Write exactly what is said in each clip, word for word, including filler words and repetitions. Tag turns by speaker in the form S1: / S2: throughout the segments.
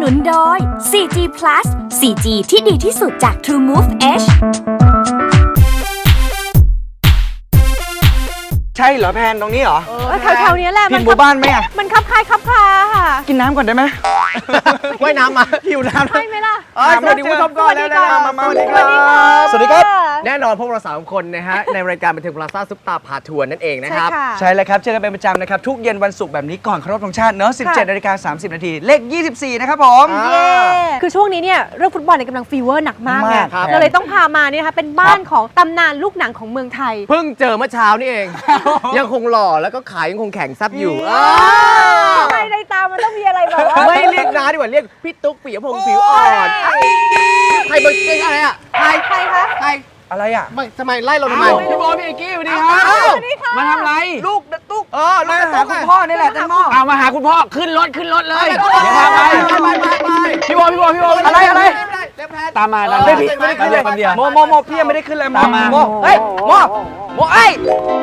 S1: นุนโดย โฟร์ จี Plus โฟร์ จี ที่ดีที่สุดจาก True Move Edge
S2: ใช่เหรอแพนตรงนี้เหรอ
S3: แถวๆนี้แหละ
S2: ผิดหมู่บ้านไหมอ่ะ
S3: มันคับคายคับคาค่ะ
S2: กินน้ำก่อนได้ไหม
S4: ว่ายน้ำมา
S2: หิวน้ำ
S3: ใช่ไหมล่ะ
S4: สวัสดีคุณผู้ชมก่อนแล้วนะ
S2: มามา
S3: สวัสดีค่ะ
S2: สวัสดีครับ
S4: แน่นอนพวกเราสามคนนะฮะ ในรายการบันเทิงพลาซ่าซุปตาพาทัวร์นั่นเองนะครับ
S3: ใช่ค่ะ
S2: ใช่เลยครับเจอกันเป็นประจำนะครับ ทุกเย็นวันศุกร์แบบนี้ก่อนเคารพธงชาติเนอะสิบเจ็ดนาฬิกาสามสิบนาทีเลขยี่สิบสี่นะครับผม
S4: อ่า
S3: เย้คือช่วงนี้เนี่ยเรื่องฟุตบอลเนี่ยกำลังฟีเวอร์หนักมากไง
S2: มากครับ
S3: เราเลยต้องพามาเนี่ยนะคะเป็นบ้านของตำนานลูกหนังของเมืองไทย
S4: เพิ่งเจอเมื่อเช้านี่เอง ยังคงหล่อแล้วก็ขายยังคงแข็งซับอยู่
S3: ทำไมในตามันต้องมีอะไรแบบว่า
S4: ไม่เรียกน้าดีกว่าเรียกพี่ตุ๊กปิยพงษ์ผิวอ่อนใครเบอร์เก่งอะไรอ่ะใคร
S3: ใครคะ
S4: ใคร
S2: อะไรอ่ะ
S4: ไม่ทำไมไล่เราทำไม
S2: พี่บอลพี่เอกกี้สวัสดีครับ
S3: สวัสดีค่ะ
S2: มาทำอะไรลูกตุ๊ก
S4: เออ
S2: มา
S4: ลูก
S2: หาคุณพ่อนี่แหละแตงโมเอามาหาคุณพ่อขึ้นรถขึ้นรถเลย
S4: ไป
S2: เดี๋ยวพาไป
S4: ไปไปไป
S2: พี่บอลพี่บอลพี่บอลอะไรอะไร
S4: เร็วแพท
S2: ตามมาตามมา
S4: ไม่ผิดไม่ได้ขึ้นเลย
S2: โมโมโมพี่ยังไม่ได้ขึ้นเลยโม
S4: ตามมา
S2: โมเฮ้ยโมโมเอ้ย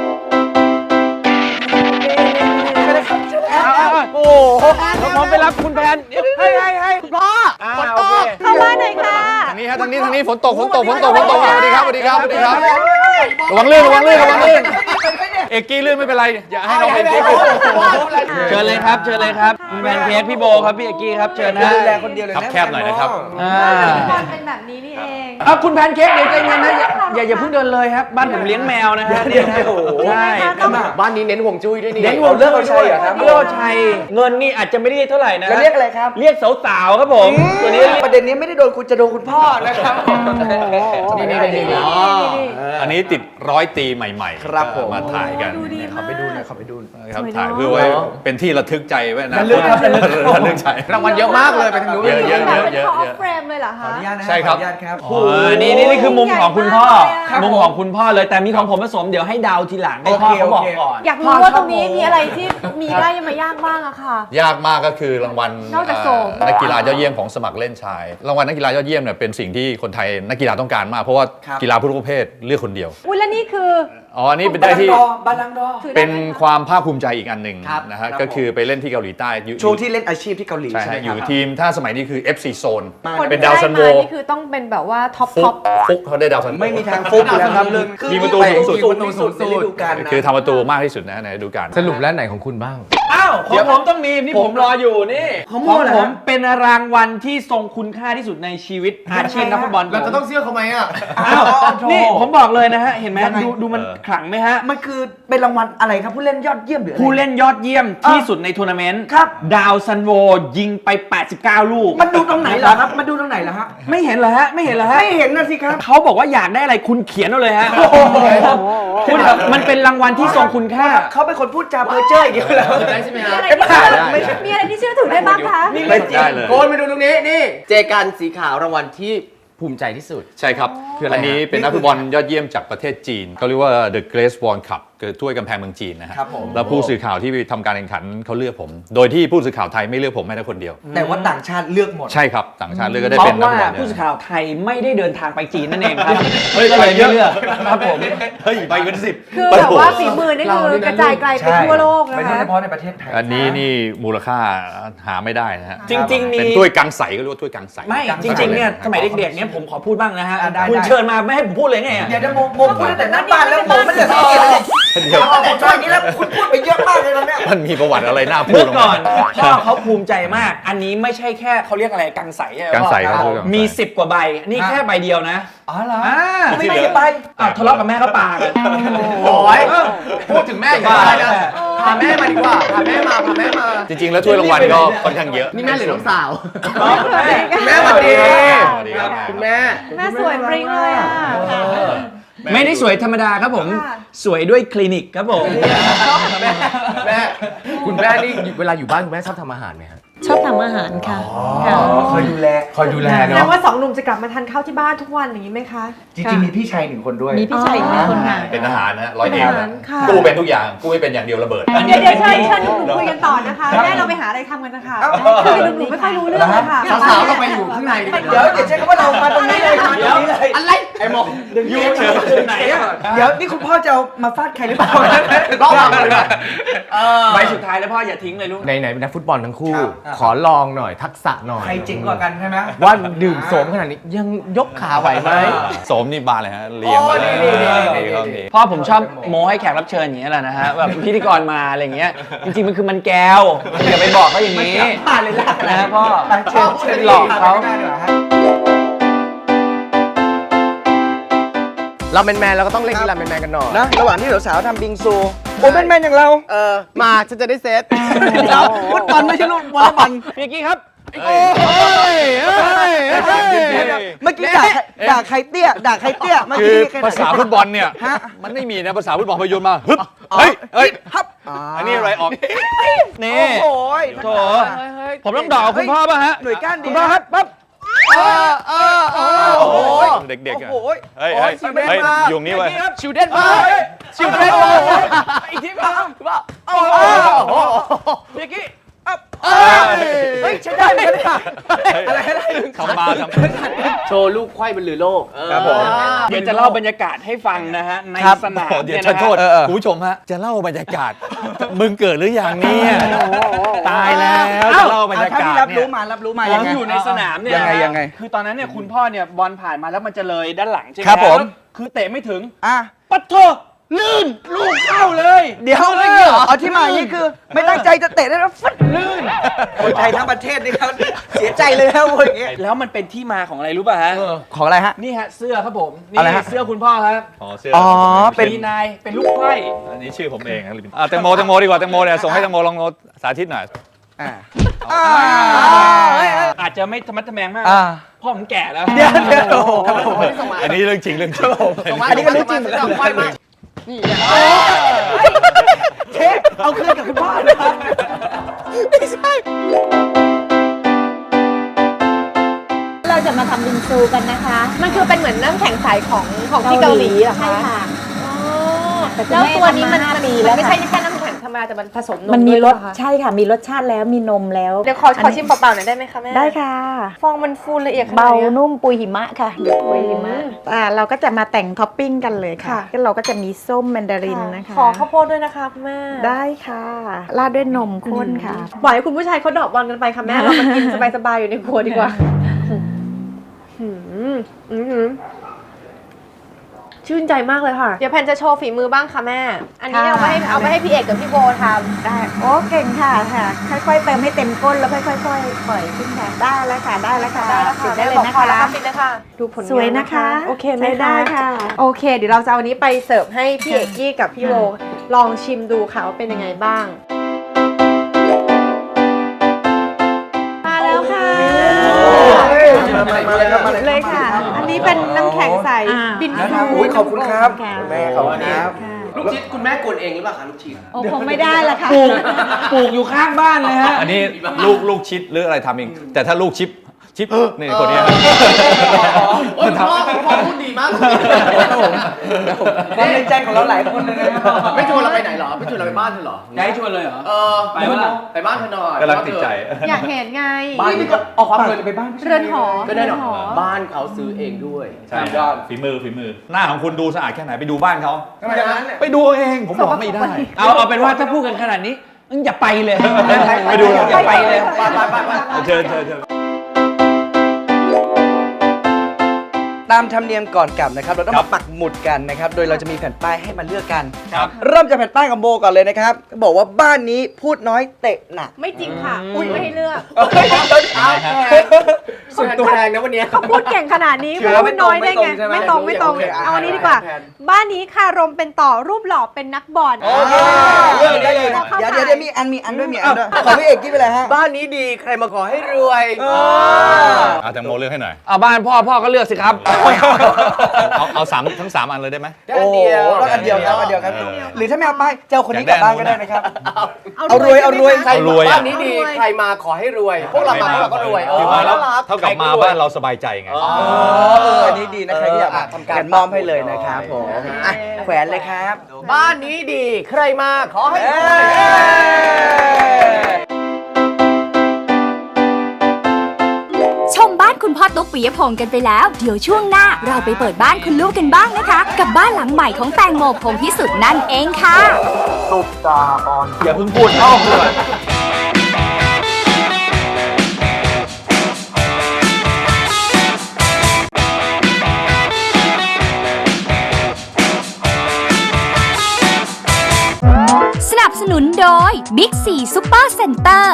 S2: โอ้โหผมไปรับคุณแพนให้ให้ให้พ่อ
S4: ฝนตก
S3: เข้าบ้านหน่อยค่ะ
S5: ทางนี้ฮะทางนี้ทางนี้ฝนตกฝนตกฝนตกฝนตกสวัสดีครับสวัสดีครับสวัสดีครับระวังลื่นระวังลื่นระวังลื่นเอกกี้ลื่นไม่เป็นไรอย่าให้น้องเป็นเค้ก
S2: เชิญเลยครับเชิญเลยครับคุณแพนเค้กพี่โบครับพี่เอกกี้ครับเชิญนะดูแลคนเดียวเลย
S5: ครับแคบหน่อยนะครับ
S2: อ่า
S3: บอลเป็นแบบนี้นี่เอง
S2: เอาคุณแพนเค้กเดี๋ยวใจเย็นนะอย่าอย่าอย่าเพิ่งเดินเลยครับบ้านผมเลี้ยงแมวนะฮะเนี่ยนะใช่
S4: บ้านนี้เน้นห่วงจุ้ยด้วยนี่
S2: เลี้ยงวัวเลือกเอาชัยเหรอครับเลือกเอาชัยเงินนี่อาจจะไม่ได้เท่าไหร่นะเรียกอะไรครับเรียกสาวๆครับผมตัวนี้ประเด็นนี้ไม่ได้โดนคุณจะโดนคุณพ่อนะครับ
S4: นี่นี่นี่นี่
S5: อันนี้ติดร้อยตีใหม่ๆ
S2: ครับผม
S5: มาถ่ายกัน
S3: ดูดีมาก
S2: ขอไปดูหน่อยขอไปดู
S5: ครับถ่ายเพื่อไว้เป็นที่ระทึกใจไว้นะ
S2: ระลึกครับระลึก
S5: ระลึกใจ
S4: รางวัลเยอะมากเลยไปทางนู้น
S5: เยอะเยอะ
S3: แบบเป็น
S5: เยอะ
S3: คอ
S5: เย
S3: ฟ
S5: อะ
S3: เฟรมเลยเหรอคะ
S5: ใช่ครับ
S2: โอ้นี่นี่นี่คือมุมของคุณพ่อ
S3: ครับ
S2: มุมของคุณพ่อเลยแต่มีของผมผสมเดี๋ยวให้ดาวทีหลังให้พ่อเขาบอกก่อน
S3: อยากรู้ว่าตรงนี้มีอะไรที่มีได้ยังมายากบ้างอะค่ะ
S5: ยากมากก็คือรางวัล
S3: นอกจากโสม
S5: เอ่อนักกีฬายอดเยี่ยมของสมัครเล่นชาย รางวัลนักกีฬายอดเยี่ยมเนี่ยเป็นสิ่งที่คนไทยนักกีฬาต้องการมากเพราะว่ากีฬาทุกประเภทเลือกคนเดียว
S3: อุ้ยแล้วนี่คือ
S5: อ๋ออันนี้เป็นได้ที่
S2: บาลังดอ
S3: ถือได้
S5: เป็น
S3: ไหมะ
S5: ความภาคภูมิใจอีกอันหนึ่ง
S2: ครับ
S5: นะฮะ
S2: ครับ
S5: ก็คือไปเล่นที่เกาหลีใต้อยู่
S2: ช่วงที่เล่นอาชีพที่เกาหลี
S5: ใช่
S2: ใช่ไหม
S5: ฮะ
S2: ค
S5: อยู่
S2: รับ
S5: ทีมถ้าสมัยนี้คือ เอฟ ซี Zone
S3: คน
S5: เป็น
S3: ที่
S5: ดาว
S3: ได้
S5: ซันโว
S3: มานี่คือต้องเป็นแบบว่าท็อป
S5: ฟุ
S3: ท็อก ป
S5: ฟุกเขาได้ดาวซันโว
S2: ไม่มีทางฟุกอยู่แล้วครับเรื่อง
S5: มีประตูสูงสุด
S2: สูงที่สุดในฤดูกาลนะ
S5: คือทำประตูมากที่สุดนะในฤดูกาล
S4: สรุปแล้วไหนของคุณบ้าง
S2: อ้าวของผมต้องมีนี่ผมรออยู่นี่
S6: ของ
S2: ของ
S6: เหรอ
S2: ผมเป็นรางวัลที่ทรงคุณค่าที่สุดในชีวิตอาชีพนักฟุตบอล
S4: เราจะต้องเชื่อเขาไหมอ่ะ
S2: อ้าวนี่ผมบอกเลยนะฮะเห็นไหมดูดูมันขลังไหมฮะ
S6: มันคือเป็นรางวัลอะไรครับผู้เล่นยอดเยี่ยมหรืออะไร
S2: ผู้เล่นยอดเยี่ยมที่สุดในทัวร์นาเมนต์
S6: ครับ
S2: ดาวซันโวยิงไป แปดสิบเก้า ลูก
S6: มันดูตรงไหนเหรอครับมันดูตรงไหนเหรอฮะ
S2: ไม่เห็นเหรอฮะ ไม่เห็นเหรอฮะ
S6: ไม่เห็นนะสิครับ
S2: เขาบอกว่าอยากได้อะไรคุณเขียนเอาเลยฮะคุณมันเป็นรางวัลที่ทรงคุณค่า
S6: เขาเป็นคนพูดจาเพ้อเจ้ออย่างเดียวแล้ว
S4: ได้ใช่ไหมฮะ
S3: มีอะไรที่เชื่อถือได้บ้างคะ
S5: ไม่ได้เลย
S4: โกนมาดูตรงนี้นี่เจกันสีขาวรางวัลที่ภูมิใจที่สุด
S5: ใช่ครับ
S4: คืออะไรฮะ
S5: อันนี้เป็นนักฟุตบอลยอดเยี่ยมจากประเทศจีนเขาเรียกว่า The Great Wall Cup คือถ้วยกำแพงเมืองจีนนะฮะ
S6: ครับผม
S5: แล้วผู้สื่อข่าวที่ทำการแข่งขันเขาเลือกผม โดยที่ผู้สื่อข่าวไทยไม่เลือกผมแม้แต่คนเดียว
S6: แต่ว่าต่างชาติเลือกหมด
S5: ใช่ครับต่างชาติเลือกก็ได้
S2: เพ
S5: เป็น
S2: ราะ
S5: นัก
S2: ว่า
S5: ฟุตบอล
S2: ผู้สื่อ
S5: เนี่ย
S2: ข่าวไทยไม่ได้เดินทางไปจีนนั่นเองครับ
S5: เฮ้ย
S2: ก็เลย
S5: ไปเย
S2: ไม่
S5: อะ
S2: เลือกครับผม
S5: เฮ้ยไปเป็นสิบ
S3: คือแบบว่าฝีมือนี่คือกระจายไกลไปทั่วโลกนะ
S6: ไม่ใช่
S3: คะ
S6: เฉพาะในประเทศไทย
S5: อันนี้นี่มูลค่าหาไม่ได้นะฮะ
S2: จริงๆมี
S5: เป็นถ้วยกังใสก็เรียกว่าถ้วยกังใส
S2: ไม่จริงๆเนี่ยสมัยเด็กๆเนี่ยผมขอพูดบ้างนะฮะ
S6: อ่ะได้
S2: คุณ
S6: ได้
S2: เชิญมาไม่ให้ผมพูดเลยไงอะ
S6: เดี๋ยวจะโมโมพูดแต่หน้าบ้านแล้วผมไม่ได้สังเกตเลย
S5: เดี๋ยว
S6: เอาแต่ช่วงนี้แล้วคุณพูดไปเยอะมากเลยตอนเนี้ย
S5: มันมีประวัติอะไรน่าพูด
S2: เมื่อก่อน
S5: ลงมา
S2: พ่อเขาภูมิใจมาก อันนี้ไม่ใช่แค่เขาเรียกอะไรกังใสใช่ไหม
S5: กังใสครับ
S2: พ่อ
S5: กังใส
S2: มีสิบกว่าใบนี่แค่ใบเดียวนะ
S6: อ๋อเหรอ
S2: อ่า
S6: ไม่ได้ไป
S2: อ้าวทะเลาะกับแม่ก็ปากัน
S4: โอ้ยพูดถึงแม่อย่างไรนะพาแม่มาดีกว่าพาแม่มาพาแม่มา
S5: จริงๆ แล้วถ้วยรางวัลก็ค่อนข้างเยอะ
S4: นี่แม่หรือน้องสาว
S2: แม่
S4: แม่สวัสดี
S5: สวัสดีครับ
S4: คุณแม่
S3: แม่สวยปริ้งเลยอ่ะ
S2: ไม่ได้สวยธรรมดาครับผม
S3: ค่ะ
S2: สวยด้วยคลินิกครับผม
S4: แม่แม่คุณแม่นี่เวลาอยู่บ้านคุณแม่ชอบทำอาหารไหมครับ
S7: ชอบทำอาหารค่ะค่ะ
S6: คอยดูแล
S4: คอยดูแล
S3: แสด
S4: เนาะ
S3: งว่าสองหนุ่มจะกลับมาทานข้าวที่บ้านทุกวันอย่างนี้ไหมคะ
S6: จริงๆมีพี่ชายหนึ่งคนด้วย
S7: มีพี่ชายอีกหนึ่งคนค่ะ
S5: เป็นทหารนะร้อยเอก
S3: เป็นทหาร
S5: นะ
S3: ค่ะ
S5: กู้เป็นทุกอย่างกู้ไม่เป็นอย่างเดียวระเบิด
S2: อันนี้
S3: เดี๋ยวเดี๋ยวเชิญเชิญหนุ่มๆคุยกันต่อนะคะแม่เราไปหาอะไรทำกันนะคะคือหนุ่มๆไม่ค่อยรู้เรื่องเลยค่ะ
S4: สาวๆเราไปอยู่ข้างในดีกว่า
S6: เดี๋ยวอย่าใช้คำว่าเรามาตรงนี้เลยมาตรงนี้เลย
S4: อะไรไอ้หมอก
S2: ยูเฉยไหนอ่ะ
S6: เดี๋ยวนี่คุณพ่อจะเอามาฟาดใครหรือเปล่า
S4: บ้าไปเลย
S2: ใบสุดท้ายแล้วพ่ออย่าทิ้งเลยลูก
S4: ไหนไหนเป็นนักฟุตบอลทั้งคู่ ขอลองหน่อยทักษะหน่อย
S6: ใครเจ๋งกว่ากันใช่ไหม
S4: ว่าดื่มโสมขนาดนี้ยังยกขาไหวไหม
S5: โสมนี่บานเลยฮะเรียงมาเลย
S4: โอ้ดีดีดี
S5: ดีครับดี
S2: พ่อผมชอบโม้ให้แขกรับเชิญอย่างเงี้ยแหละนะฮะแบบพิธีกรมาอะไรเงี้ยจริงๆมันคือมันแก้วอย่าไปบอกเขาอย่างนี้
S6: ผ่านเลยล่ะ
S2: นะฮะพ่อ
S6: เชิญเชิญ
S2: หลอกเขา
S4: เราเป็นแมนเราก็ต้องเล่นกีฬาเป็นแมนกันหน่อย
S6: นะระหว่างที่สาวๆทำบิงซูโอ้เป็นแมนอย่างเรา
S4: เออมาฉันจะได้เซต
S6: เราฟุตบอลไม่ใช่ลูกวอลเลย์บอล
S2: พี่กี้ครับ
S5: เฮ้ยเฮ้ยเฮ้ย
S6: เมื่อกี้ด่าด่าใครเตี้ยด่าใครเตี้ยเมื่อ
S5: คือ
S6: กี้ใครด่
S5: ภาษาฟุตบอลเนี่ย มันไม่มีนะภาษาฟุตบอลพยนต์มาฮึบเฮ้ยเฮ้ย
S6: ฮับ
S5: อันนี้อะไรออก นี่
S6: โอ้ย
S2: โถผมต้องด่าคุณพ่อป่ะฮะ
S6: หน่วยก้านดี
S2: คุณพ่อครับปั๊บ
S4: เออเออเออโอ้โห
S5: เด็กๆอ่ะ
S6: โอ้โห
S5: เฮ้ยเฮ้ยเฮ้ยยุงนี่ไว้
S4: ชิวเด่นมากชิวเด่นมาก
S2: อีกทีป่ะ
S4: โอ้โห
S2: พี่กี้
S6: เฮ้ยใช้ได้ไหมเนี่ย
S5: อะไรอะไรทำมาทำ
S4: โชว์ลูกไขว้บนเรือโลก
S2: ครับผมเดี๋ยวจะเล่าบรรยากาศให้ฟังนะฮะในสนาม
S5: เดี๋ยว
S2: เนี่ย
S5: ฉัน
S2: นะ
S5: โทษ
S2: ฮะ
S5: คุณผู้ชมฮะ จะเล่าบรรยากาศ มึงเกิดหรือยังเนี่ยตายแล้วจะเล่าบรรยากาศ
S6: รับ
S5: เนี่
S6: รู้
S5: ย
S6: มารับรู้มา
S2: ผ
S6: ยัง
S2: ม
S6: ไง
S2: อยู่ในสนามเนี่ย
S6: ยังไง
S2: นะฮะ
S6: ยังไง
S2: คือตอนนั้นเนี่ยคุณพ่อเนี่ยบอลผ่านมาแล้วมันจะเลยด้านหลังใช่ไหม
S6: ครับผม
S2: คือเตะไม่ถึง
S6: อ่ะ
S2: ปัดโถลื่นลูกเข้าเลย
S6: เดี๋ยวเอาที่มาอย่างนี้คือ ไม่ตั้งใจจะเตะได้แล้วฟึดลื่นคนไทยทั้งประเทศนี่ครับเสียใจเลยนะพวกอย่างเงี้ย
S2: แล้วมันเป็นที่มาของอะไรรู้ป่ะฮะ
S6: ของอะไรฮะ
S2: นี่ฮะเสื้อครับผมนี่
S6: อะไรฮะ
S2: เสื้อคุณพ่อครับ
S5: อ๋อเสื้อ
S6: อ๋อเป็น
S2: มีนายเป็นลูกไขว้
S5: อันนี้ชื่อผมเองครับอ่ะแตงโมแตงโมดีกว่าแตงโมเนี่ยส่งให้แตงโมลองสาธิตหน่อย
S6: อ่า
S2: อาจจะไม่ธรรมะทแมงมาก
S6: อ่า
S2: พ่อผมแก่แล้ว
S6: เดี๋ยวเดี๋ยว
S5: อันนี้เรื่องจริงเรื่องจริง
S6: อันนี้ก็เรื่องจริงเหมือนกัน
S4: ไขว้มาก
S6: เช็คเอาคืนกับคุณพ่อเลยครับไม่ใช่
S7: เราจะมาทำบิงซูกันนะคะ
S3: มันคือเป็นเหมือนน้ำแข็งใสของของที่เกาหลีเหรอ
S7: ใช่
S3: คะ
S7: ค่ะ แต่
S3: แล้วตัวนี้มัน
S7: ทำาห้า
S3: มัน
S7: ปี
S3: มั
S7: แล้ว
S3: นไม่
S7: ค่ะ
S3: ใช่แค่น้ำแข็งธรรมดาแต่มันผสมนม
S7: มันมี
S3: ด้วย
S7: รส
S3: เหอคะ
S7: ใช่ค่ะ มีรสชาติแล้วมีนมแล้ว
S3: เดี๋ยวขอขอชิมเปล่าๆหน่อยได้ไหมคะแม่
S7: ได้ค่ะ
S3: ฟองมันฟูละเอียดขนาด
S7: เบา
S3: นี้ย
S7: นุ่มปุยหิมะค่ะเด็กปุยหิมะอ่าเราก็จะมาแต่งท็อปปิ้งกันเลยค่ะ
S3: ค่ะ
S7: ก็เราก็จะมีส้มแมนดารินนะคะ
S3: ขอข้าวโพดด้วยนะคะคุณแม่
S7: ได้ค่ะราดด้วยนมข้นค่ะ
S3: ปล่อยให้คุณผู้ชายเขาดอกบอลกันไปค่ะแม่ เรามากินสบายๆอยู่ในครัวดีกว่าหืมอืมหืมชื่นใจมากเลยค่ะ เดี๋ยวแพนจะโชว์ฝีมือบ้างค่ะแม่ อันนี้
S7: ค่ะ
S3: เอาไปให้เอาไปให้พี่เอกกับพี่โบทำ
S7: ได้โอ้เก่งค่ะค่ะ ค่อยๆเติมให้เต็มก้นแล้วค่อยๆปล่อยขึ้นค่ะได้แล้วค่ะได้แล้วค่ะ
S3: ได้แล้ว
S7: ปิ
S3: ค่ะ
S7: ดได้เลย
S3: บอก
S7: นะ
S3: พอแล้ว
S7: คะ
S3: ค่ะปิดเลยค่ะ ดูผลงาน
S7: สวยนะคะ
S3: โอเคไหม
S7: ใช้ได้ค่ะ
S3: โอเค เดี๋ยวเราจะเอาอันนี้ไปเสิร์ฟให้พี่เอกกี้กับพี่โบลองชิมดูค่ะว่าเป็นยังไงบ้าง มาแล้วค่ะ
S6: มาเลยครับมาเลย
S3: เลยค่ะ อันนี้เป็นน้ำแข็งใส
S7: อ่า
S3: บิน
S6: นะครับอุ้ยขอบคุณครับคุณแม่ขอบคุณครับ
S4: ลูกชิดคุณแม่กวนเองหรือเปล่าคะลูกชิด
S7: โอ้คงไม่ได้ละค่ะ
S2: ปลูกปลูกอยู่ข้างบ้านเลยฮะ
S5: อันนี้ลูกลูกชิดหรืออะไรทำเอง แต่ถ้าลูกชิปชิปนี่คนเนี้ย
S4: โอ้ยพ่อพ่อพูดดีมาก
S6: ความในใจของเราหลายคนเลยนะครับ
S4: ไม่ชวนเราไปไหนเหรอไม่ชวนเราไปบ้านเธอเหรอ
S2: จะให้ชวนเลยเหรอ
S4: เออ
S2: ไปวะล่ะ
S4: ไปบ้านเธอหน่อย
S5: กำลังติดใจ
S3: อยากเห็นไง
S4: บ้านนี้ก็เอาความเงิน
S6: ไปบ้าน
S3: เรือนหอ
S4: ก็ได้หรอ
S3: เรือนหอ
S4: บ้านเขาซื้อเองด้วย
S5: ใช่ฝีมือฝีมือ หน้าของคุณดูสะอาดแค่ไหนไปดูบ้านเขา
S6: ทำไมอย่างนั้นเนี่ย
S5: ไปดูเอาเองผมบอกไม่ได้
S2: เอาเอาเป็นว่าถ้าพูดกันขนาดนี้งั้นอย่าไปเลย
S5: ไปดู
S2: อย่าไปเลย
S4: ไปไปไปไป
S5: เชิญเชิญเชิญ
S6: ตามธรรมเนียมก่อนกลับนะครับ เราต้อง
S5: ครั
S6: มา
S5: บ
S6: ปักหมุดกันนะครับ โดยเราจะมีแผ่นป้ายให้มาเลือกกัน
S5: ครับ
S6: เริ่มจากแผ่นป้ายของโบก่อนเลยนะครับก็บอกว่าบ้านนี้พูดน้อยเตะหนัก
S3: ไม่จริงค่ะอุ้ยไม่ให้เลือก
S4: สุดตัวแรงนะวันนี้
S3: เขาพูดเก่งขนาดนี้
S6: เชื่อ
S3: พูดน้อยได้ไง
S6: ไม่
S3: ไม่
S6: ต
S3: ต
S6: ร
S3: รง ง
S6: ใช่ไหม
S3: ไม่ตรง
S6: โอเค
S3: เอาอันนี้
S6: อ่ะ
S3: ดีกว่า
S6: แผน
S3: บ้านนี้ค่ะรมเป็นต่อรูปหล่อเป็นนักบอล
S6: โอเคเลือกได้เลย
S3: อาข้า
S6: เดี๋ยว
S3: ไป
S6: เดี๋ยวเดี๋ยวมีอันมีอันด้วยมีอันด้วยขอพี่เอกกี้ไปเลยฮะ
S4: บ้านนี้ดีใครมาขอให้รวย
S5: เอาแตงโมเลือกให้หน่อย
S2: เอาบ้านพ่อพ่อก็เลือกสิครับ
S5: เอาเอาสามทั้งสามอันเลยได้ไหม
S4: ได้อันเดียว
S6: ต้องอันเดียวครับอันเดียวครับ
S5: เออ
S6: หรือถ้าไม่เอาป้ายจะเอาคนนี้
S5: อก ยาก
S6: ลับ
S5: ได้
S6: บ้านก็ได้นะครับ
S3: เอา
S6: เอารวยเอารวย
S4: ใคร
S5: เอารวยอะ
S4: บ้านนี้ดีใครมาขอให้รวย พวกเรามาพวกเราก็รวยเอ
S5: คือ
S4: อ
S5: มาแล้ว
S4: น่ารัก
S5: เท่ากับมาบ้านเราสบายใจไง
S4: อ๋อ
S6: อ๋อเอออันนี้ดีนะใครที่อยาก
S4: เออทำการ
S6: แขวนมอมให้เลยนะครับผมอ่ะแขวนเลยครับ
S4: บ้านนี้ดีใครมาขอให้ร
S6: เอ้
S4: วย
S6: ย
S1: ชมบ้านคุณพ่อตุ๊กปิยพงศ์กันไปแล้วเดี๋ยวช่วงหน้าเราไปเปิดบ้านคุณลูกกันบ้างนะคะ กับบ้านหลังใหม่ของแตงโมพงษ์พิสุทธิ์นั่นเองค่ะ
S2: อย่าเพิ่งพูดเข้าเลย
S1: สนับสนุนโดย Big ซี Super Center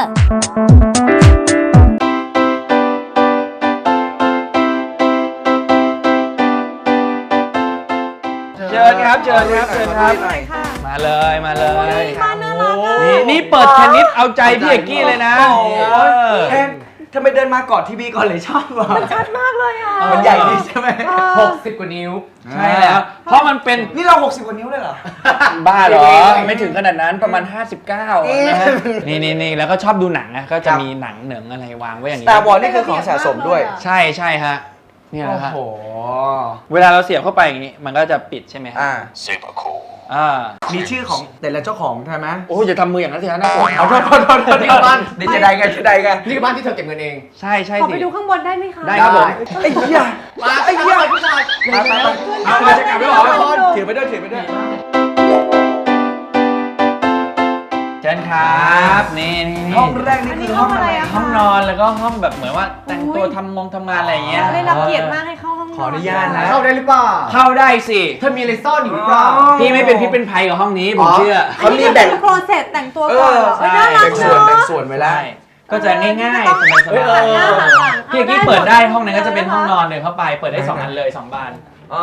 S2: เชิญครับเชิญครับเชิญครับมาเลยมาเลย
S3: บ้านน่ารักอ่ะ
S2: นี่นี่เปิดชนิดเอาใจพี่เอกกี้เลยนะ
S6: โอ้โห
S2: เออ
S6: แทนทำไมเดินมากอดทีวีก่อนเลยชอบวะ
S3: ชัดมากเลยอ่ะ
S6: มันใหญ่ดีใช่ไหม
S4: หกสิบกว่านิ้ว
S2: ใช่แล้วเพราะมันเป็น
S6: นี่เราหกสิบกว่านิ้วเลยเหรอ
S2: บ้าเหรอ ไม่ถึงขนาดนั้นประมาณ ห้าสิบเก้านะฮะนี่นี่นี่แล้วก็ชอบดูหนังนะก็จะมีหนังเหนิงอะไรวางไว้อย่างนี้
S6: ตาบอลนี่คือของสะสมด้วย
S2: ใช่ใช่ฮะเนี่ยนะ
S6: โอ้
S2: ฮะ
S6: โห
S2: เวลาเราเสียบเข้าไปอย่างนี้มันก็จะปิดใช่ไหมฮะ
S6: อ่า
S2: อ่า
S6: มีชื่อของแต่ละเจ้าของใช่ไหม
S2: โอ้ยอย่าทำมืออย่างนั้นสิฮะน่ากลัว
S6: เอาโทษโทษโทษโทษ
S4: นี่คือบ้าน
S6: นี่จะได้ไงจะได้ไง
S4: นี่คือบ้านที่เธอเก็บเงินเอง
S2: ใช่ใช่
S3: ขอ
S2: สิ
S3: ไปดูข้างบนได้ไหมคะ
S2: ได้ครับผม
S6: ไอ้เหี้ย
S4: มาไอ้เหี้ยผู้ชาย
S6: มาไปไป
S2: เอามาจะกลับแล้วเหรอ
S6: ถือไปด้วยถือไปด้วย
S2: เชิญครับนี่นี่นี่
S6: ห้องแรกนี่คือห้องอะไร
S2: ห้องนอนแล้วก็ห้องแบบเหมือนว่าแต่งตัวทำงงทำงานอะไรอย่างเงี้ย
S3: เราได้รับเกียรติมากให้เข้าห้อง
S6: ขออนุญาตนะ
S4: เข้าได้หรือเปล่า
S2: เข้าได้สิ
S4: เธอมีอะไรซ่อนอยู่หรือเปล่า
S2: พี่ไม่เป็นพิษเป็นภัยกับห้องนี้ผมเชื่อ
S6: เขามีแบ่ง
S3: โครเซตแต่งตัวก่อนเหรอ
S6: เออ
S3: เอ้ยน่ารัก
S6: แบ่งส่วน
S3: เนาะ
S6: แบ่งส่วนไว้แล้ว
S2: ใช่ก็จะง่ายๆสบายๆ
S3: เฮ้ยเออ
S2: พี่เอกกี้เปิดได้ห้องนั้นก็จะเป็นห้องนอนเลยเข้าไปเปิดได้สองอันเลยสองบาน
S6: อ๋อ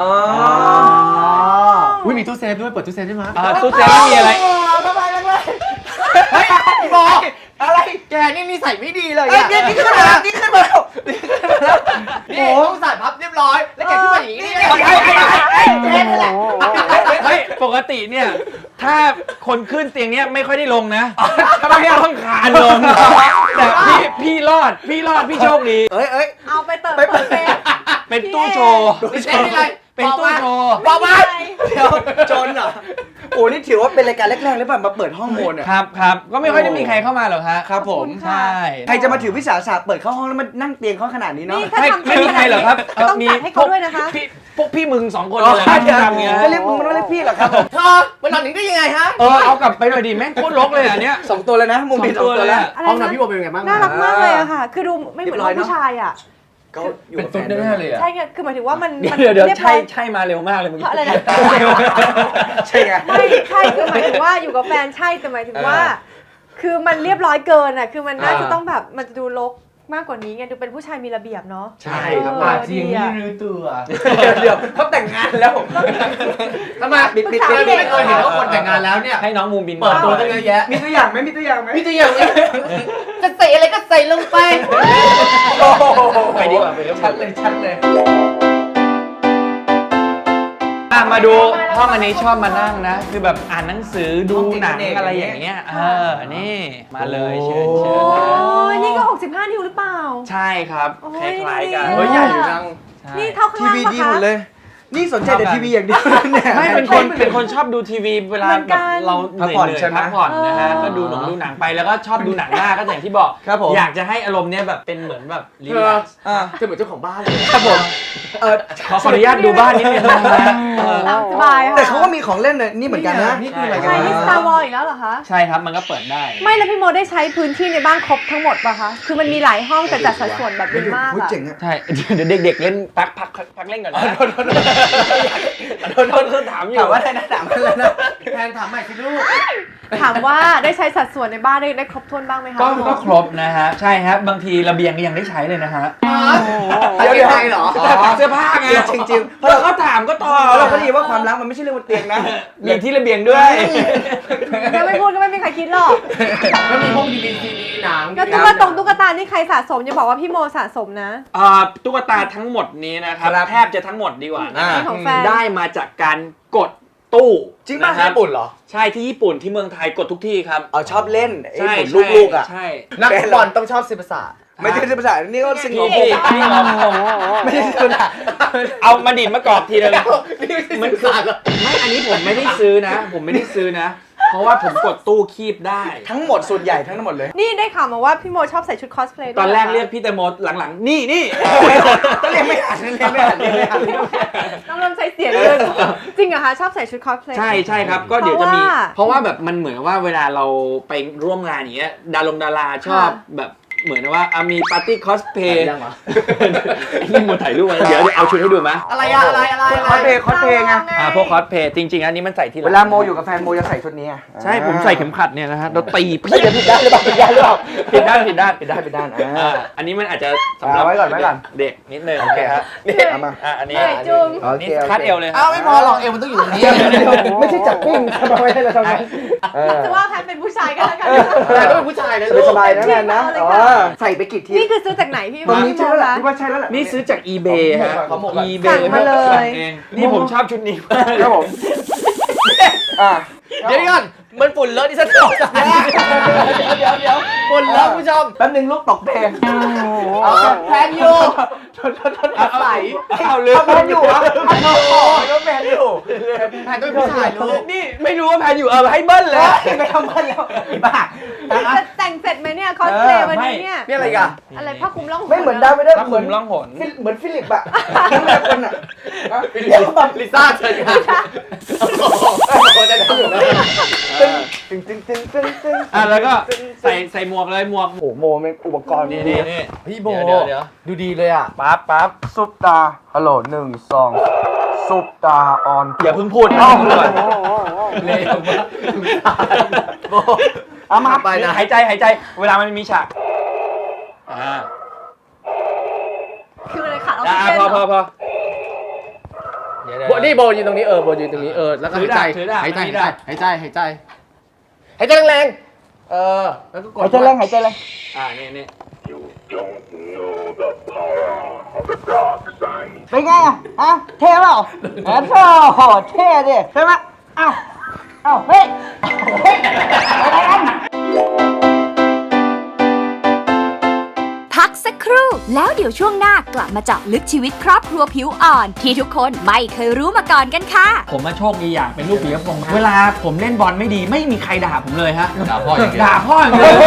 S4: อุ้ยมีตู้เซฟด้วย เปิดตู้เซฟได้ไหม
S2: อ่าตู้เซฟไม่มีอะไร
S4: เฮ้ยพี่บอล
S6: อะไร
S4: แกนี่นิสัยไม่ดีเลย
S6: ไอ้
S4: อะ
S6: เนี่ยนี่ขึ้นมาแล้วนี่ขึ้นมาแล้วนี่ขึ้นมาแล้ว
S4: นี่ต้องใส่พับเรียบร้อย แล้วแกขึ้นมาอย่างนี้ได้ไง
S6: ไอ้ไอ้ไอ้ไอ้แค่นั้นแหละ
S2: เฮ้ยปกติเนี่ยถ้าคนขึ้นเตียงเนี้ยไม่ค่อยได้ลงนะ
S6: ทำไมอ่ะ
S2: ต้องคานลงแต่พี่พี่รอดพี่รอดพี่โชคดี
S6: เอ้ยเอ้ย
S3: เอาไปเติม
S6: ไปเปิ
S3: เปิ
S6: ด
S3: ดเซฟ
S2: เป็นตู้โชว์
S4: ไม่ใช่นี่เลย
S2: เป็นตู้โชว์
S6: บอกมาเดี๋ยวจนเหรอโอ้นี่ถือว่าเป็นรายการแรกๆเลยป่ะมาเปิดห้องโมนอ่ะ
S2: ครับครับก็ไม่ค่อยได้มีใครเข้ามาหรอกฮะ
S6: ครับผม
S2: ใช่
S6: ใครจะมาถือวิสาสะเปิดเข้าห้องแล้วมานั่งเตียงเขาขนาดนี้เนาะ
S3: นี่ถ้า
S2: ไม่
S3: ทำ
S2: ไม่มีใครหรอกครับ
S3: ต้องจัดให้เขาด้วยนะคะ
S2: พี่พวกพี่มึงสองคน
S6: อ๋อ
S2: เลยนะที่ทำอย่างเงี้ย
S6: จะเรียกมึงมันไม่เรียกพี่หรอกครับผม
S4: เธอมันนอนอย่างนี้ได้ยังไงฮะ
S2: เออเอากลับไปหน่อยดิแม่งโคตรรกเลยอันเนี้ย
S6: สองตัวเลยนะมุมนี้สองตัวแล้ว
S3: อะไร
S4: ห้องนอน
S3: นะ
S4: พี่โบเป็นยังไงบ้าง
S3: น่ารักมากเลยอะค่ะ คือดูไม่เหมือนห้องผู้ชายอะ
S6: ก็อยู่
S4: เป็น
S6: กับ
S4: ตุ๊ด
S6: แฟ
S4: แน่ๆเลยอะ
S3: ใช่ไงคือหมายถึงว่ามันมัน
S2: เดี๋ยวเดี๋ยว
S3: รีบร้
S2: ใช่
S3: อย
S2: ใช่มาเร็วมากเลยเมื่อกี้
S3: อะไรนะ
S6: ใช่ไง
S3: ไม่ใช่คือหมายถึงว่าอยู่กับแฟนใช่แต่หมายถึงว่า คือมันเรียบร้อยเกินอะคือมันน่าจะต้องแบบมันจะดูรกมากกว่านี้ไงดูเป็นผู้ชายมีระเบียบเนาะ
S6: ใช่
S4: ครับ
S3: เออ
S4: อาจจะยัง
S3: ดี
S4: ไม่
S3: อะ
S4: รู้ตัว
S6: เดี๋ยวเดี๋ยวเขาแต่งงานแล้ว
S4: ทำไม
S6: ปิดปิด
S4: เธอไม่เคยเห็นว่าคนแต่งงานแล้วเนี่ย
S2: ให้น้องมูมบิน
S4: เปิดตัวตั้งเยอะแยะ
S6: มีตัวอย่างไหมมีตัวอย่างไหม
S4: พี่จะอย่างนี้จะใส่อะไรก็ใส่ลงไป
S6: โอ้โห
S2: ไปดีกว่าไปเร็ว
S6: ชัดเลยชัดเลย
S2: อ่ะมาดูห้องอันนี้ชอบมานั่งนะ คือแบบอ่านหนังสือดูหนังอะไรอย่างเงี้ยเออนี่มาเลยเชิญเชิญ
S3: โอ้
S2: นะ
S3: ยนี่ก็หกสิบห้านิ้วหรือเปล่า
S2: ใช่ครับ
S3: โอ้
S2: ค
S3: ย
S2: ล้ายๆกัน
S3: ดี
S4: เฮ้ยใหญ่อยู่จัง
S2: ใช่
S3: นี่เท่าข้าง
S6: ที
S3: ล่าง
S6: วี
S3: ปะ
S6: ดี
S3: คะ
S6: หมดเลย นี่สนใจแต่ทีวีอย่างเดียวเนี่ย
S2: ไม่เป็นคนเป็นคนชอบดูทีวีเวลา
S3: เหมือน
S2: แบ
S3: กับ น
S2: เราเห
S6: พัก
S2: นื่อย
S6: ผ่อน
S2: ๆ
S6: ใช่ไหม
S2: พักผ่อนนะฮะ
S3: เออ
S2: ก็ดูหนังดูหนังไปแล้วก็ชอบดูหนังหน้าก็อย่างที่บอก
S6: ครับผม
S2: อยากจะให้อารมณ์เนี้ยแบบเป็นเหมือนแบบรี
S4: เธ
S2: แล
S4: อก
S2: ซ์
S6: อ่า
S4: เธอเหมือนเจ้าของบ้านเลย
S6: ครับผมเออ
S2: ขอขออนุญาตดูบ้านนิดนึงนะฮะเออ
S3: ตามสบายค่ะ
S6: แต่เขาก็มีของเล่นเลยนี่เหมือนกันนะ
S4: นี่คืออะไร
S3: ใช่
S4: กัน
S3: นี่
S4: นะ
S3: Star Wars อีกแล้วเหรอคะ
S2: ใช่ครับมันก็เปิดได้
S3: ไม่แล้วพี่โมได้ใช้พื้นที่ในบ้านครบทั้งหมดป่ะคะ คือมันมีหลายห้องแต่จัดสัดส่วนแบบดีมาก
S6: พูด
S3: อะ
S6: เจ๋งอะ
S2: ใช่ เดี๋ยวเด็กๆเล่นพักพักพักเล่นก่อนนะโดนโดนโดนโดนโดนถามอยู่
S6: ถามว่าอะไรนะถามว่าอะไรนะ
S4: แทนถามใหม่สิลูก
S3: ถามว่าได้ใช้สัดส่วนในบ้านได้ได้ครบถ้วนบ้างไหมคะ
S2: ก็
S3: พี่โม
S2: ก็ครบนะฮะใช่ครับบางทีระเบียงก็ยังได้ใช้เลยนะฮะ
S4: เดี๋ยวเดี๋ยวเหรอ
S2: เสื้อผ้าไง
S6: จริงจริงๆเพ
S2: เพ
S6: ราะ
S2: ราะ
S6: เรา
S2: เราก็ถามก็ตอบ
S6: เพราะเราก็ดีว่าความรักมันไม่ใช่เรื่องบนเตียงนะ
S2: มีที่ระเบียงด้วย
S3: ถ้าไม่พูดก็ไม่มีใครคิดหรอก
S4: ก็มีพวกดีวีซีดีหนัง
S3: แล้วตุ๊กตาตุ๊กตานี่ใครสะสมอย่าบอกว่าพี่โมสะสมนะ
S2: อ่าตุ๊กตาทั้งหมดนี้นะครับ
S6: ครับ
S2: แทบจะทั้งหมดดีกว่านะ
S3: นี่ของแฟน
S2: ได้มาจากการกดตู้
S6: จริงป่ะ
S2: นะคบ
S6: ญี่ปุ่นเหรอ
S2: ใช่ที่ญี่ปุ่นที่เมืองไทยกดทุกที่ครับ
S6: เอาชอบเล่นไอ้
S2: ใช่
S6: หมุนลูกๆอ่ะ
S2: ใช่
S4: นักบอลต้องชอบศิลปศาสตร์
S6: ไม่ใช่ภาษานี่ก็สิ่ง
S2: พี่พี่พี่เอา
S6: ไม่ใช่ภาษา
S2: เอามาดิดมากรอบทีนึง
S4: นี่คือศิลปศาสตร์เหรอ
S2: ไม่อันนี้ผมไม่ได้ซื้อนะ ผมไม่ได้ซื้อนะเพราะว่าผมกดตู้คีบได้
S6: ทั้งหมดส่วนใหญ่ทั้งหมดเลย
S3: นี่ได้ข่าวมาว่าพี่โมชอบใส่ชุดคอสเพลย์ด้วย
S2: ตอนแรก
S3: ห
S2: เรียกพี่แตงโมหลังๆ นี่นี่
S6: ต้องเรียนไม่อ่านเรียนไม่อ่านเรียนไม่อ่าน
S3: น้องเริ่มใช้เสียงเลยจริงเหรอคะชอบใส่ชุดคอสเพลย์
S2: ใช่ใช่ครับ ก็เดี๋ยวจะมี
S3: เพ
S2: เพ
S3: ราะ
S2: ราะ
S3: ว่า
S2: ว่าแบบมันเหมือนว่าเวลาเราไปร่วมงานอย่างเงี้ยดารงดาราชอบ
S3: ค่ะ
S2: แบบเหมือนว่าอ่ะมีปาร์ตี้คอสเพย์นี่มาถ่ายรูปมาเดี๋ยวเดี๋ยวเอาชุดให้ดูไหม
S4: อะไรอะอะไรอะไร
S6: คอสเพลย์คอสเพลย์ไง
S2: อ่าพวกคอสเพย์จริง ๆ อันนี้มันใส่ทีหลัง
S6: เวลาโมอยู่กับแฟนโมจะใส่ชุดนี้อะ
S2: ใช่ผมใส่เข็มขัดเนี่ยนะฮะเราตี
S6: ไม่จะผิดด้านหรือเปล่าผิดด้านหรือเปล่า
S2: ผิดด้านผิดด้าน
S6: ผิดด้านผิดด้าน
S2: อ่า
S6: อ่า
S2: อันนี้มันอาจจะสำหรับ
S6: เอาไว้ก่อนไว้ก่อน
S2: เด็กนิดนึงโอเคครับ
S6: เอามา
S2: อ่ะอันนี้
S3: เหนื่อยจุง
S6: โอเค
S2: นี่
S6: โอเค
S2: คัดเอวเลย
S4: อ้าวไม่พอหรอกเอวมันต้องอยู่ตรงนี้
S6: ไม่ใช่จับปิ้งทำไมให้เราทำไมเออ
S3: จะว่าแพนเป็นผู้ชายก็แล้วกัน
S4: แต่ต้องเป็นผู้ชายนะลูก
S6: สบายๆนะแมนนะ
S3: เอาเลย
S6: อ๋อ
S3: ค่ะ
S6: ใส่ไปกี่ที
S3: นี่คือซื้อจากไหนพี่
S6: ตรงนี้
S3: พี่
S6: ใช่
S3: โม
S6: แล้วแหละ
S3: คะ
S6: พี่ว่าใช่แล้วแหละ
S2: นี่ซื้อจาก eBay ฮะ
S6: ของผมก่อน
S2: eBay
S3: สั่งมาเลย
S2: สั่งเองนี่ผมชอบชุดนี้มาก
S6: ครับผมอ่า
S4: เดี๋ยวก่อนมันฝุ่นเลอะที่ฉันตกใจเดี๋ยวเดี๋ยวฝุ่นเลอะผู้ชม
S6: แป๊บนึงลูกตกเพลง
S4: เอาแพนอยู่
S6: ใส่
S2: เอาเลย
S6: แมนอยู่เหรอแล้วแมนอยู่
S4: แพนต้องเป็นผู้ชายลูก
S2: นี่ไม่รู้ว่าแพนอยู่เออให้เบิ้ลเลย
S6: ไม่ทำมันแล้วไอ้บ้า
S3: จะแต่งเสร็จไหมเนี่ยคอสเพลย์วันนี้เนี่ย
S4: นี่อะไรกัน
S3: อะไรผ้าคลุมล่องหน
S6: ไม่เหมือนดาวไม่ได้
S2: ถ้า
S6: เห
S2: ผ
S6: มือน
S2: มล่องหน
S6: เหมือนฟิลิปอะทั้งแม่คนอะ
S4: ลิซ่าเชิญค่ะโอ้โหจะทำอยู่นะ
S6: ตึงตึงตึงตึงตึง
S2: อ่ะแล้วก็ใส่ใส่หมวกเลยหมวก
S6: โอ้โหโมเป็นอุปกรณ์
S2: นี่นี่นี่
S4: พี่โบ
S2: เดี๋ยวเดี๋ยว
S4: ดูดีเลยอ่ะ
S2: ปั๊บปั๊บ
S6: ซุปตาฮัลโหลหนึ่งสองซุปตาออน
S2: อย่าเพิ่งพูดเอาก่อน
S4: เร็วมากโบ
S6: เอามา
S4: ไปนะ
S2: หายใจหายใจเวลามันมีฉากอ่า
S3: คืออะไรขาดออก
S2: อ่ะ
S3: ซิเจน
S2: พอพอ
S3: เหรอ
S2: พอเดี๋ยวเดี๋ยว
S4: โบนี่โบยืนตรงนี้เออโบยืนตรงนี้เออแล้วก็หายใจ
S2: ถือดาบ
S4: หายใจ
S2: ถือดาบ
S4: หายใจหายใจหายใจแรงๆเออแล้วก็กด
S6: หายใจแรงหายใจแรง
S2: อ่านี่นี่
S6: เป็นไงอะฮะเท่เปล่าอ๋อโธ่เท่ดิใช่ไหมเอ้าเอ้าเฮ้ยเฮ้ยอะไรกัน
S1: พักสักครู่แล้วเดี๋ยวช่วงหน้ากลับมาเจาะลึกชีวิตครอบครัวผิวอ่อน ที่ทุกคนไม่เคยรู้มาก่อนกันค่ะ
S2: ผมมาโชคดีอย่างเป็นลูกปียพงษ์เวลาผมเล่นบอลไม่ดีไม่มีใครด่าผมเลยฮะ
S5: ด่าพ่ออย่างเดียว
S2: ด่าพ่ออย่างเดียว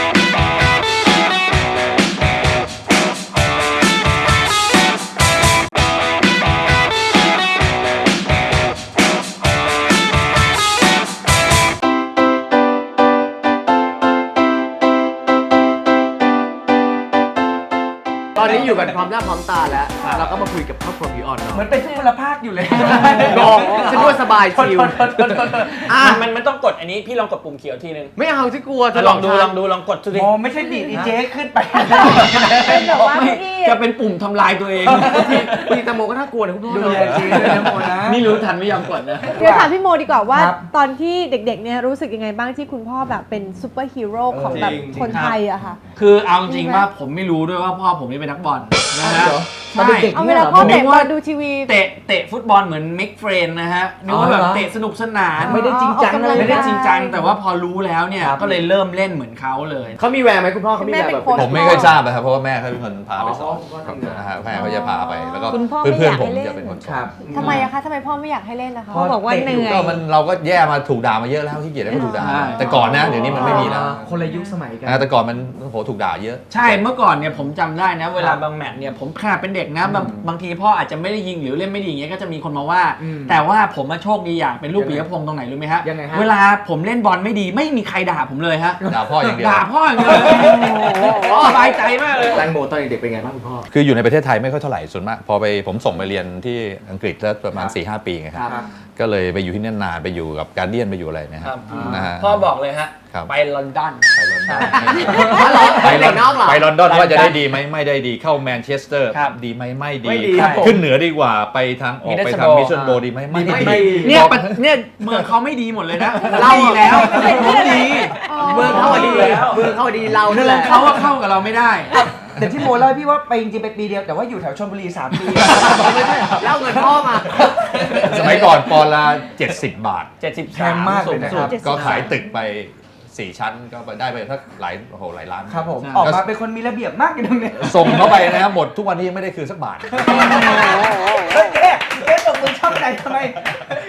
S4: ตอนนี้อยู่กันพร้อมหน้าพร้อมตาแล้วเราก็มาคุยกับครอบครัวพี่อ่อน
S6: เหมื
S4: เนาะ
S6: อนเป็นทุกพลภาคอยู่เลย
S4: งงฉันว่าสบายชิว
S2: อ่ะมันมันต้องกดอันนี้พี่ลองกดปุ่มเขียวทีนึง
S4: ไม่เอาที่กลัว
S2: ลองดูลองดูลองกดดูดิ
S6: โมไม่ใช่ดีดอีเจ๊ขึ้นไป
S3: เป็นแบบว่า
S2: ไม่
S3: พี่
S2: จะเป็นปุ่มทำลายตัวเอง
S4: พี่ตังโมก็น่ากลัวนะคุณพ่อ
S6: ดู
S4: เนาะ
S6: แลจริงด้วยนะโมนะ
S2: นี่รู้ทันไม่ยอมกดนะ
S3: เดี๋ยวถามพี่โมดีกว่าว่า
S6: ครับ
S3: ตอนที่เด็กๆเนี่ยรู้สึกยังไงบ้างที่คุณพ่อแบบเป็นซูเปอร์ฮีโร่ของแบบ
S2: จริงๆ
S3: คนไทยอะค่ะ
S2: คือเอาจริงๆว่าผมไม่รู้ด้วยว่าพ่อผมนี่เป็นนักบอลนะฮะ
S6: ตอน
S2: ใช่
S6: เด็ก
S3: เอาเวลาพ่อเตะบอลดูทีวี
S2: เตะเตะฟุตบอลเหมือนมิกเฟรนนะฮะนึกว่าแบบเตะสนุกสนาน
S6: ไม่ได้จริงจัง
S3: ออกกำลั
S6: เลย
S3: ง
S2: ไม่ได้
S3: กาย
S2: จริงจังแต่ว่าพอรู้แล้วเนี่ยก็เลยเริ่มเล่นเหมือนเขาเลย
S4: เขามีแววไหมคุณพ่อเขามีแววแบบ
S3: แม่เป็นโค้ช
S5: ผมไม่เคยทราบนะครับเพราะว่าแม่เขาเป็นคนพาไปสอน
S4: อ๋อทำงาน
S5: นะฮะแม่เขาจะพาไปแล้วก็
S7: คุณพ่อ
S5: เพื่
S7: ไม่
S5: อน
S7: อยาก
S5: ๆผม
S7: ให้เล่น
S5: จะเป็นคนส
S6: ค
S5: อ
S6: รั
S5: น
S6: บ
S3: ทำไมอะคะทำไมพ่อไม่อยากให้เล่นนะคะ
S7: เขาบอกว่าเหนื่อย
S5: ก็มันเราก็แย่มาถูกด่ามาเยอะแล้วที่เกียรติก็ถูกด่า
S2: ใช่
S5: แต่ก่อนนะเดี๋ยวนี้มันไม่มีแล้ว
S6: คนละยุคสมัยกัน
S5: นะแต่ก่อนมันโอ้โหถูกด่าเยอะ
S2: ใช่เมื่อก่อนเนี่ยผมจำได้นะ เวลาบางแมตช์เนี่ยผมขนาดเป็นเด็กนะบางบางทีพ่ออาจจะไม่ได้ยิงหรือเล่นไม่ดีอย่างเงี้ยก็จะมีคนมาว่า
S6: อืม
S2: แต่ว่าผมมาโชคดีอย่างเป็นลูกปิยพงษ์ตรงไหนรู้ไหมฮะ
S6: ยังไงฮะ
S2: เวลาผมเล่นบอลไม่ดีไม่มีใครด่าผมเลยฮะ
S5: ด่าพ่ออย่างเดียว
S2: ด่าพ่ออย่างเดียวสบายใจมากเลย
S4: แตงโมตอนเด็กๆเป็นไงบ้างคุณพ่อ
S5: คืออยู่ในประเทศไทยไม่ค่อยเท่าไหร่ส่วนมากพอไปผมส่งไปเรียนที่อังกฤษแล้วประมาณ สี่ห้า ปีไงครับ
S6: ครับ
S5: ก็เลยไปอยู่ที่นั่นนานไปอยู่กับการเดียนไปอยู่อะไรนะค
S2: ครั
S5: รับบ นะฮะ
S2: พ่อบอกเลยฮะ
S5: ครับ
S2: ไปลอนดอน
S5: ไปลอนดอน
S4: ไปเด็กนอกเหรอ
S5: ไปลอนดอนว่าจะได้ดีไหมไม่ได้ดีเข้าแมนเชสเตอร์
S2: ครับ
S5: ดีไหมไม่ดี
S4: ไม่ดี
S2: ครับ
S5: ขึ้นเหนือดีกว่าไปทางออกไปทาง
S2: Middlesbrough
S5: มิชชันโบดีไหมไม่
S4: ไม่
S5: ดี
S4: ดี
S2: เนี่ยประเนี่ยเมืองเขาไม่ดีหมดเลยนะ
S4: เรา
S2: ดีแล้วเขาดี
S4: เมืองเขาอะดีเมืองเขาอะดีเรา
S2: เมื
S4: นั่น
S2: อ
S4: แห
S2: ง
S4: ละ
S2: เขาว่าเข้ากับเราไม่ได้
S6: แต่ที่โมเล่าให้พี่ว่าไปจริงๆไปปีเดียวแต่ว่าอยู่แถวชลบุรีสามปี
S4: เล่าเงินพ่อมา
S5: สมัยก่อนปอนด์ละเจ็ดสิบบาท
S2: เจ็ดสิบ
S6: แพงมากเลยนะครับ
S5: ก็ขายตึกไปสี่ชั้นก็ได้ไปสักหลายโอ้โหหลายล้าน
S6: ครับผมออกมาเป็นคนมีระเบียบมากอยู่ตรงเนี้ย
S5: ส่งเข้าไปนะครับหมดทุกวันนี้ยังไม่ได้คืนสักบาท
S6: เฮ้ยเจ๊เจ๊ตบมือชอบใจทำไม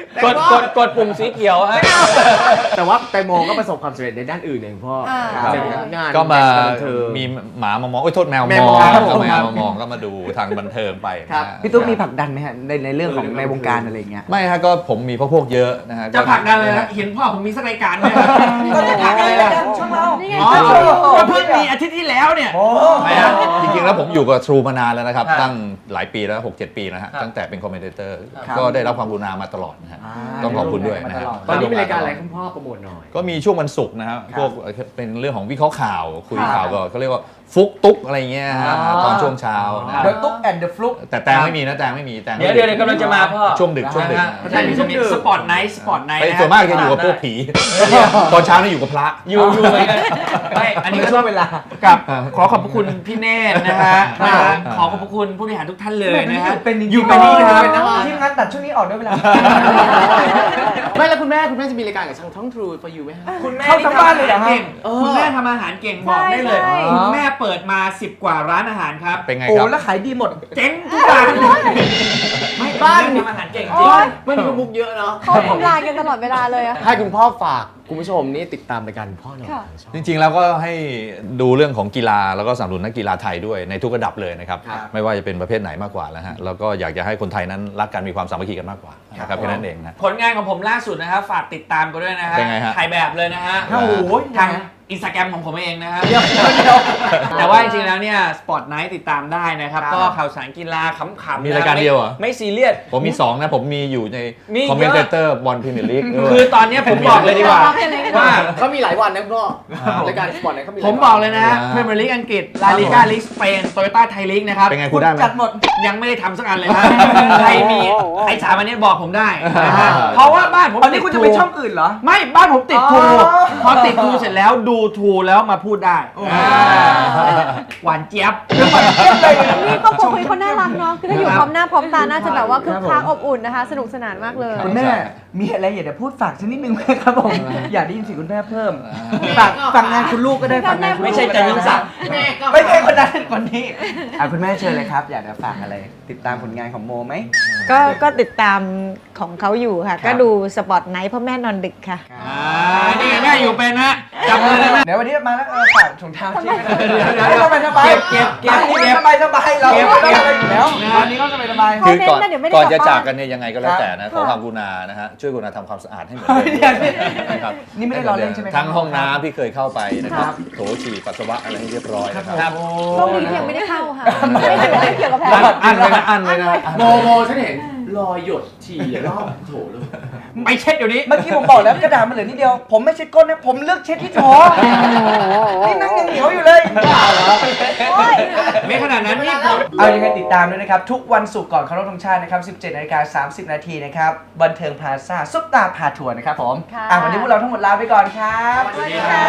S2: กดกดกดปุ่มสีเขียวฮะ
S4: แต่ว่าแตงโมก็ประสบความสำเร็จในด้านอื่นเองพ่อ
S3: อ่า
S4: ครับงาน
S5: ก็มา
S4: บันเทิง
S5: มีหมามามองโอ้ยโทษแมว
S4: แม
S5: ม
S4: ว
S5: อง
S4: มองครับ
S5: ก็แม
S4: ครั
S5: ว
S4: บ
S5: มามองก็มาดูทางบันเทิงไปนะ
S4: ครั
S5: ฮะ
S4: บ
S6: พี่ตุ๊กมีผลักดันไหมฮะในในเรื่องของในวงการอะไรอย่างเงี้ย
S5: ไม่ฮะก็ผมมีพวกพวกเยอะนะฮะ
S2: จะผลักดันเลยนะเห็นพ่อผมมีสักรายการไหม
S6: ก็จะผลักอะไรกันช่องเรา
S3: นี่ไง
S2: อ๋อ
S3: ก็
S2: ก็เพิ่งมีอาทิตย์ที่แล้วเนี่ย
S5: ไม่ฮะจริงๆแล้วผมอยู่กับ True มานานแล้วนะครับ
S2: ครับ
S5: ตั้งหลายปีแล้ว หกเจ็ด ปีนะฮะ
S2: ครับ
S5: ตั้งแต่เป็นคอมเมนเตอร์
S6: ครับ
S5: ก็ได้รับความกรุณามาตลอดนะฮะ
S6: อ่า
S5: ต้องขอบคุณด้วยนะฮะ
S4: ตอนนี้มีรายการอะไรคุณพ่อโปรโมทหน่อย
S5: ก็มีช่วงวันศุกร์นะฮะ
S6: ครับ
S5: พวกเป็นเรื่องของวิเคราะห์ข่าว คุย
S6: ครับ
S5: ข่าวก็เขาเรียกว่าฟุกตุ๊กอะไรเงี้ยฮะ
S4: อ๋อ
S5: ตอนช่วงเช้านะ
S6: เดอะตุ๊กแอนด์เดอะฟลุก
S5: แต่แตงไม่มีนะแตงไม่มีแตงไม่
S2: เดี๋ยว
S5: มี
S2: เดี๋ยวเดี๋ยวกำลังจะมาพ่อ
S5: ช่วงดึกช่วงดึก
S2: นะฮะเพราะฉะนั้นจะมีสปอร์ตไนท์สปอร์ตไนท์
S5: ไป
S2: นะ
S5: ส่วนมากจะอยู่กับพวกผี ตอนเช้านี่อยู่กับพระ
S2: อยู่อยู่เหมือนกันไม่อันนี้ก็
S6: ช่วงเวลา
S2: กับขอขอบพระคุณพี่เนตรนะฮะ
S6: ครับ
S2: นะฮะขอขอบพระคุณผู้บริหารทุกท่านเลยนะฮะ
S6: เป็นจริงๆ
S2: อยู่เป็นนี่ครับ
S6: เป็นนะทีมงานตัดช่วงนี้ออกด้วยเวลา
S4: ไม่แล้วคุณแม่คุณแม่จะมีรายการกับช่องท้อง True for you ไหมฮะ
S2: คุณแม่
S6: เข้าทั้งบ้านเลยเหรอฮะ
S2: ก่งคุณแม่ทำอาหารเก่งบอกได้เลย
S3: ใช่
S2: คุณแม่เปิดมาสิบกว่าร้านอาหารครับ
S5: เป็นไง
S6: โอ้
S5: ครับ
S6: แล้วขายดีหมด
S2: เจ๊งทุกร้านไม่บ้านทำอาหารเก่งจริง
S3: โอ๊ย
S4: มันมีมุกเยอะเนาะ
S3: เขาทำลายกันตลอดเวลาเลยอะ
S4: ให้คุณพ่อฝากคุณผู้ชมนี่ติดตามรายการคุณพ่อหน่อย
S3: ค่ะ
S5: จริงๆแล้วก็ให้ดูเรื่องของกีฬาแล้วก็สนับสนุนนักกีฬาไทยด้วยในทุกระดับเลยนะครับ
S4: ครับ
S5: ไม่ว่าจะเป็นประเภทไหนมากกว่าแล้วฮะแล้วก็อยากจะให้คนไทยนั้นรักกันมีความสามัคคีกันมากกว่านะครับแค่นั้นเองนะ
S2: ผลงานของผมล่าสุดนะครับฝากติดตามกันด้วยนะฮะ
S5: เป็นไงฮะ
S2: ถ่ายแบบเลยนะฮะ
S6: โอ้โห
S2: ทางอินสตาแกรมของผมเองนะฮะแต่ว่าจริงๆแล้วเนี่ยสปอร์ตไนท์ติดตามได้นะครับ
S6: ครับ
S2: ก็ข่าวสารกีฬาขำๆ
S5: มีรายการเดียวเหรอ
S2: ไม่ไม่ซีเรียส
S5: ผมมีสองนะผมมีอยู่ใน
S2: มีเยอะ
S5: คอมเมนเตอร์บอลพรีเมียร์ลีก
S2: คือตอนเนี้ยผมบอกเลยดีกว่าว่า
S4: เขามีหลายวันนะคุณพ่อรายการสปอร์ตเนี่ยเขามีหลาย
S2: ผม
S4: วัน
S2: บอกเลยนะฮะพรีเมียร์ลีกอังกฤษลาลิกาลีกสเปนโตโยต้าไทยลีกนะครับ
S5: เป็นไงคุณได้ไหม
S6: จัดหมด
S2: ยังไม่ได้ทำสักอันเลยฮะใครมีใครสามอันนี้บอกผมได้นะฮะเพราะว่าบ้านผม
S6: อันนี้คุณจะไปช่องอื่นเหรอ
S2: ไม่บ้านผมติดทู
S6: อ๋อ
S2: พอติดทูเสร็จแล้วดูทูแล้วมาพูดได้อ่าหวานเจี๊ยบ
S3: นี่ครอบครัวคุยคนน่ารักเนาะ คือถ้าอยู่พร้อมหน้าพร้อมตาน่าจะแบบว่าคึกคักอบอุ่นนะคะ สนุกสนานมากเลย
S6: คุณแม่ มีอะไรอยากจะพูดฝากสักนิดนึงไหมครับผม อยากได้ยินเสียงคุณแม่เพิ่ม ฝากฝากงานคุณลูกก็ได้ฝากงานคุณลูก
S2: ไม่ใช่จันทร์ศักดิ์
S6: ไม่ใช่คนนั้นคนนี้อ่ะคุณแม่เชิญเลยครับ อยากจะฝากอะไร ติดตามผลงานของโมไหม
S7: ก็ก็ติดตามของเขาอยู่ค่ะ
S6: ครับ
S7: ก็ดูสปอตไนท์เพราะแม่นอนดึกค่ะ
S2: อ่านี่ไงแม่อยู่เป็นฮะจับมือเลยแม่
S6: เดี๋ยววันนี้มาแล้วเออฝากถุงเท้าที่ไม่ได้
S2: เดี๋ยวเดี๋ยว
S6: ให้สบายสบาย
S2: เก็บเก็บเก็บ
S6: อันนี้
S2: เก็บ
S6: สบายสบายเรา
S2: เก็บ
S6: ไม่ต้องอะไรอยู่แล้ว
S2: เก็บ
S6: วันนี้ก็สบายสบาย
S5: คือก่อน
S3: เขาเน้นนะเดี๋ยวไม่ได้
S5: ก่อนจะ
S3: กลับบ้าน
S5: จากกันเนี่ยยังไงก็แล้วแต่นะขอความกรุณานะฮะช่วยกรุณาทำความสะอาดให้เหมือนเดิม
S6: เดี๋ยวนี่
S5: นะครับ
S6: นี่ไม่ได้ล้อเล่นใช่ไหมครับ
S5: ทั้งห้องน้ำที่เคยเข้าไปนะครับโถฉี่ปัสสาวะอะไรให้เรียบร้อยนะครับ
S2: ครับ
S3: โชคดีที่ยังไม่ได้เข้าค่ะ ไม่เกี่ยวไม่เกี่ยวกับแพทย์
S5: อันเลยนะอันเลยนะ
S4: โมโมฉันเห็นรอยหยดฉี่รอบโถเลย
S2: ไปเช็ดเดี๋ยวนี้
S6: เมื่อกี้ผมบอกแล้วกระดาษมันเหลือนิดเดียว ผมไม่เช็ดก้นนะ ผมเลือกเช็ดที่โถนี่นั่งยังเหนียวอยู่เลย
S2: ไม่ขนาดนั้นนี่ผม
S6: เอายังไงติดตามด้วยนะครับ ทุกวันศุกร์ก่อนเคารพธงชาตินะครับ สิบเจ็ดนาฬิกาสามสิบนาทีนะครับ บันเทิงพลาซ่าซุปตาพาทัวร์นะครับผม
S3: ค่ะ
S6: อ่ะวันนี้พวกเราทั้งหมดลาไปก่อนครับ
S2: สวัสดีครับ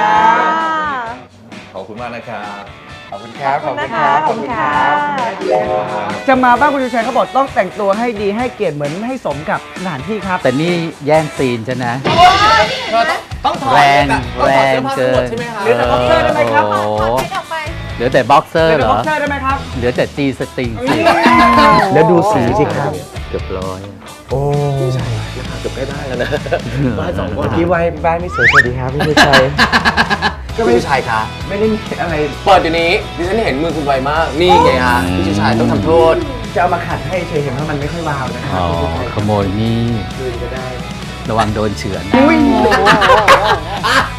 S5: ขอบคุณมากนะครับ
S6: ขอบคุณครับ
S3: ขอบคุณนะคะขอบคุณค่ะ
S6: จะมาบ้านคุณชูชัยเขาบอกต้องแต่งตัวให้ดีให้เกียรติเหมือนให้สมกับสถานที่ครับ
S8: แต่นี่แย่งซีนฉันนะ
S4: ต้องถอด
S8: แรง
S4: แบบต้อง
S8: แร
S4: ถอด
S8: ง
S4: เสื้อผ้าทั้งหมด
S8: เกิน
S4: ใช่ไหมครับ
S6: หรือแต่บ็อกเซอร์ได้ไหมครับ
S8: โอ้โห
S3: ถอดเช็ดออกไป
S8: เหลือแต่บ็อกเซอร์
S6: เป็น
S8: เหร
S6: บ็
S8: อ
S6: อกเซอร์ได้ไหมครับ
S8: เหลือแต่จีสตริงสิ
S6: แล้วดูสีสิครับ
S8: เกือบร้อย
S6: โอ้
S4: เกือบใกล้บ้านแล้วนะบ้านสองคน
S6: เมื่อกี้ไว้บ้านไม่สวยสวัสดีครับพี่ชูชัย
S4: ก็พี่ชูชายคะ
S6: ไม่ได้มีอะไร
S4: เปิดอยู่นี้ดิฉันเห็นมือคุณไวมาก นี่ไงฮะพี่ชูชายต้องทำโทษ
S6: จะเอามาขัดให้เฉยเห็นว่ามันไม่ค่อยวาวนะครั
S8: อ๋อ
S6: พี่ชูชัย
S8: ขโมยนี่
S6: คืนก็ได้
S8: ระวังโดนเฉือน
S6: อุ้ย
S4: อ่ะ